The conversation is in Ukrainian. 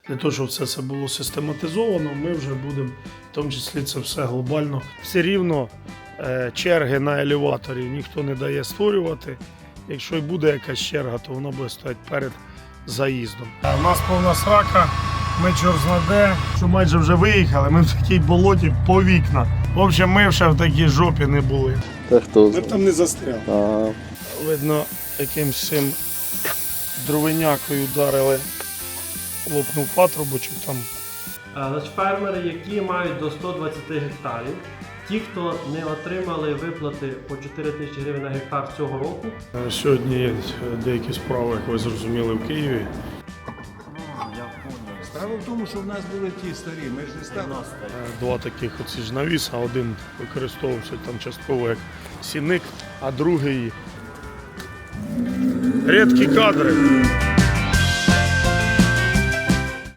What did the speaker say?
Для того, щоб це було систематизовано, ми вже будемо, в тому числі це все глобально. Все рівно черги на елеваторі ніхто не дає створювати. Якщо і буде якась черга, то вона буде стояти перед заїздом. У нас повна срака, ми чорт-знаде, що майже вже виїхали, ми в такій болоті по вікна. В общем, ми ще в такій жопі не були. Та хто? Ми б там не застряли. Ага. Видно, якимсь цим дровинякою ударили, лопнув патрубочок там. Значить, фермери, які мають до 120 гектарів, ті, хто не отримали виплати по 4 тисячі гривень на гектар цього року. Сьогодні є деякі справи, як ви зрозуміли, в Києві. Справа в тому, що в нас були ті старі, ми ж не стали. Два таких оці ж навіса, один використовувався там частково як сіник, а другий рідкі кадри.